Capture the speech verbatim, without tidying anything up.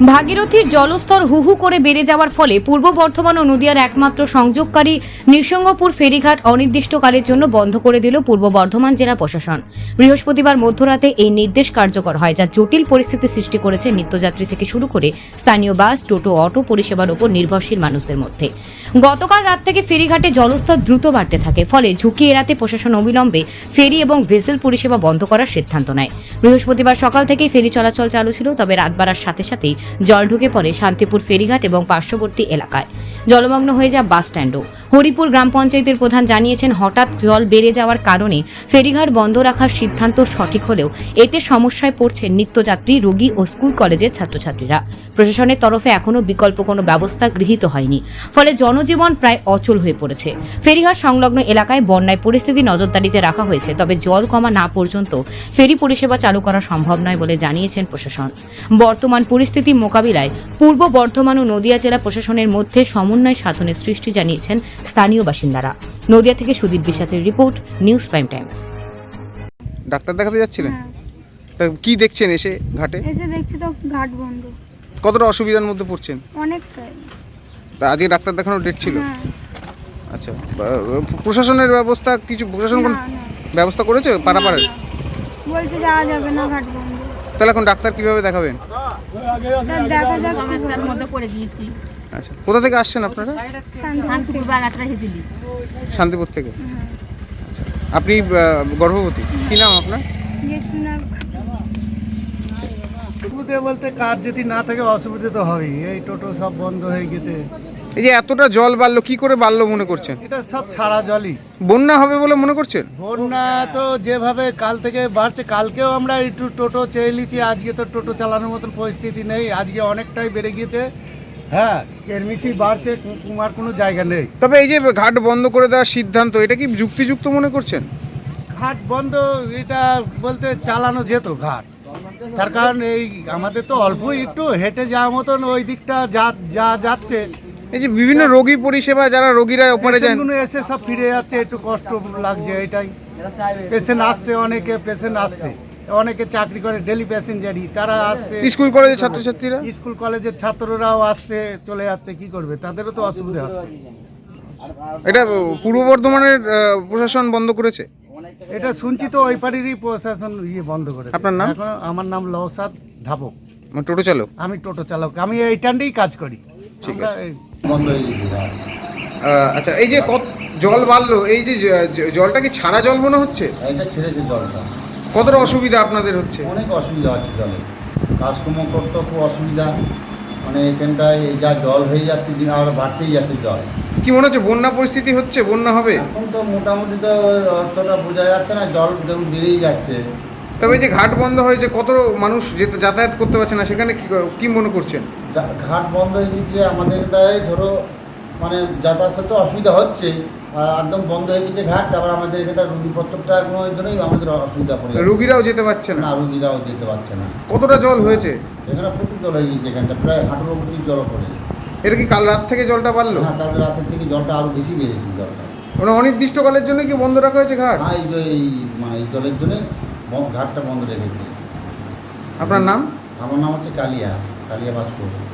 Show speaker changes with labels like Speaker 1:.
Speaker 1: ভাগীরথীর জলস্তর হু হু করে বেড়ে যাওয়ার ফলে পূর্ব বর্ধমান ও নদিয়ার একমাত্র সংযোগকারী নৃসিংহপুর ফেরিঘাট অনির্দিষ্টকালের জন্য বন্ধ করে দিল পূর্ব বর্ধমান জেলা প্রশাসন। বৃহস্পতিবার মধ্যরাতে এই নির্দেশ কার্যকর হয়, যা জটিল পরিস্থিতি সৃষ্টি করেছে নিত্যযাত্রী থেকে শুরু করে স্থানীয় বাস, টোটো, অটো পরিষেবার উপর নির্ভরশীল মানুষদের মধ্যে। গতকাল রাত থেকে ফেরিঘাটে জলস্তর দ্রুত বাড়তে থাকে, ফলে ঝুঁকি এড়াতে প্রশাসন অবিলম্বে ফেরি এবং ভেসেল পরিষেবা বন্ধ করার সিদ্ধান্ত নেয়। বৃহস্পতিবার সকাল থেকেই ফেরি চলাচল চালু ছিল, তবে রাত বাড়ার সাথে সাথেই জল ঢুকে পড়ে শান্তিপুর ফেরিঘাট এবং পার্শ্ববর্তী এলাকায়। জলমগ্ন হয়ে যায় বাস স্ট্যান্ডও। হরিপুর গ্রাম পঞ্চায়েতের প্রধান জানিয়েছেন, হঠাৎ জল বেড়ে যাওয়ার কারণে ফেরিঘাট বন্ধ রাখার সিদ্ধান্ত সঠিক হলেও এতে সমস্যায় পড়ছে নিত্যযাত্রী, রোগী ও স্কুল কলেজের ছাত্রছাত্রীরা। প্রশাসনের তরফে এখনও বিকল্প কোনো ব্যবস্থা গৃহীত হয়নি, ফলে জনজীবন প্রায় অচল হয়ে পড়েছে। ফেরিঘাট সংলগ্ন এলাকায় বন্যায় পরিস্থিতি নজরদারিতে রাখা হয়েছে, তবে জল কমা না পর্যন্ত ফেরি পরিষেবা চালু করা সম্ভব নয় বলে জানিয়েছেন প্রশাসন। বর্তমান পরিস্থিতি মোকাবিলায় পূর্ব বর্ধমান ও নদিয়া জেলা প্রশাসনের মধ্যে সমন্বয় সাধনের সৃষ্টি জানিয়েছেন স্থানীয় বাসিন্দারা। নদিয়া থেকে সুদীপ বিশ্বাসের report, news prime times.
Speaker 2: Doctor দেখাতে যাচ্ছিলেন?
Speaker 3: হ্যাঁ,
Speaker 2: তা কি দেখছেন এসে ঘাটে?
Speaker 3: এসে দেখছি তো ঘাট বন্ধ।
Speaker 2: কতটা অসুবিধার মধ্যে পড়ছেন?
Speaker 3: অনেকটাই।
Speaker 2: তা আজকে ডাক্তার দেখানোর ডেট ছিল?
Speaker 3: হ্যাঁ।
Speaker 2: আচ্ছা, বা- প্রশাসনের ব্যবস্থা কিছু প্রশাসন
Speaker 3: না,
Speaker 2: কোন
Speaker 3: না।
Speaker 2: ব্যবস্থা করেছে পারাপারে?
Speaker 3: না, না। বলছে যাওয়া যাবে না, ঘাট বন্ধ।
Speaker 2: তাহলে এখন ডাক্তার কিভাবে দেখাবেন?
Speaker 3: তা দেখা যাক কি
Speaker 4: সমস্যার
Speaker 3: হবে।
Speaker 4: মধ্যে পড়ে গিয়েছি।
Speaker 2: আচ্ছা, কোথা থেকে আসছেন আপনারা?
Speaker 3: শান্তিপুর
Speaker 4: শান্তিপুর
Speaker 3: থেকে।
Speaker 4: বাগাছড়া হেজুলি।
Speaker 2: শান্তিপুর থেকে।
Speaker 3: হ্যাঁ।
Speaker 2: আচ্ছা, আপনি আহ, গর্ভবতী? কি নাম আপনার?
Speaker 3: জেসমিনা।
Speaker 5: অসুবিধে বলতে কাজ যদি না থাকে অসুবিধে তো হবেই। এই টোটো সব বন্ধ হয়ে গেছে।
Speaker 2: এই যে এতটা জল বাড়লো, কি করে বাড়লো মনে করছেন?
Speaker 5: এটা সব ছাড়া জলই।
Speaker 2: বন্যা হবে বলে মনে করছেন?
Speaker 5: বন্যা তো যেভাবে কাল থেকে বাড়ছে, কালকেও আমরা একটু টোটো চেয়ে নিচ্ছি, আজকে তো টোটো চালানোর মতন পরিস্থিতি নেই। আজকে অনেকটাই বেড়ে গিয়েছে। হ্যাঁ, কেরমিশি বাড়ছে, কুমার কোনো জায়গা নেই।
Speaker 2: তবে এই যে ঘাট বন্ধ করে দেওয়ার সিদ্ধান্ত, এটা কি যুক্তিযুক্ত মনে করছেন?
Speaker 5: ঘাট বন্ধ এটা বলতে চালানো যেত ঘাট, তার কারণ এই আমাদের তো অল্প একটু হেঁটে যাওয়ার মতন ওই দিকটা যা যা যাচ্ছে।
Speaker 2: এই যে বিভিন্ন রোগী পরিষেবা, যারা রোগীরা ওপারে যান,
Speaker 5: পেশেন্টগুলো এসে সব ফিরে যাচ্ছে, একটু কষ্ট লাগছে। এটাই পেশেন্ট আসছে, অনেকে পেশেন্ট আসছে, অনেকে চাকরি করে ডেলি প্যাসেঞ্জারই, তারা আসছে।
Speaker 2: স্কুল কলেজের ছাত্রছাত্রীরা,
Speaker 5: স্কুল কলেজের ছাত্ররাও আসছে, চলে যাচ্ছে, কি করবে, তাদেরও তো অসুবিধা হচ্ছে।
Speaker 2: এটা পূর্ব বর্ধমানের আহ, প্রশাসন বন্ধ করেছে?
Speaker 5: এটা শুনছি তো ওই পাড়িরই প্রশাসন ইয়ে বন্ধ করেছে।
Speaker 2: আপনার নাম?
Speaker 5: এখন আমার নাম লওসাদ ধাবক,
Speaker 2: মানে টোটো চালক?
Speaker 5: আমি টোটো চালক, আমি এই টান্ডেই কাজ করি।
Speaker 2: ঠিক
Speaker 5: আমরা এই
Speaker 6: বন্ধ হয়ে গেছে ঘাট।
Speaker 2: আহ, আচ্ছা, এই যে কত জল বাড়লো, এই যে জ- জ- জলটা কি ছাড়া জল মনে হচ্ছে?
Speaker 6: এটা ছেড়েছে জলটা,
Speaker 2: কতটা অসুবিধা আপনাদের হচ্ছে?
Speaker 6: অনেক অসুবিধা হচ্ছে জলে, কাজকর্ম করতে খুব অসুবিধা। মানে এখানটায় এই যা জল হয়ে যাচ্ছে, দিন আর বাড়তেই যাচ্ছে জল।
Speaker 2: কি মনে হচ্ছে বন্যা পরিস্থিতি হচ্ছে, বন্যা হবে?
Speaker 6: এখন তো মোটামুটি তো অর্থটা বোঝা যাচ্ছে না, জল যেমন বেড়েই যাচ্ছে।
Speaker 2: তবে এই যে ঘাট বন্ধ হয়েছে, কত মানুষ যেতে যাতায়াত করতে পারছে না, সেখানে কি কি মনে করছেন?
Speaker 6: যা- ঘাট বন্ধ হয়ে গেছে, আমাদের এটাই ধরো মানে যাতায়াতের তো অসুবিধা হচ্ছে, আর একদম বন্ধ হয়ে গেছে ঘাট। তারপর আমাদের এখানটা রুগীপত্রটা কোনো জন্যই আমাদের অসুবিধা পড়ে যাচ্ছে।
Speaker 2: রোগীরাও যেতে পারছে না?
Speaker 6: না, রুগীরাও যেতে পারছে না।
Speaker 2: কতটা জল হয়েছে?
Speaker 6: এখানে প্রচুর জল হয়ে গেছে, এখানটা প্রায় হাঁটুর অবধি জল পড়ে গেছে।
Speaker 2: এটা কি কাল রাত থেকে জলটা বাড়লো?
Speaker 6: হ্যাঁ, কাল রাতের থেকে জলটা আরো বেশি বেড়েছে জলটা।
Speaker 2: মানে অনির্দিষ্টকালের জন্য কি বন্ধ রাখা হয়েছে ঘাট?
Speaker 6: হ্যাঁ, এই যে এই মানে এই জলের জন্য ঘাটটা বন্ধ রেখেছে।
Speaker 2: আপনার নাম?
Speaker 6: আমার নাম হচ্ছে কালিয়া, কালিয়া বাসপুর।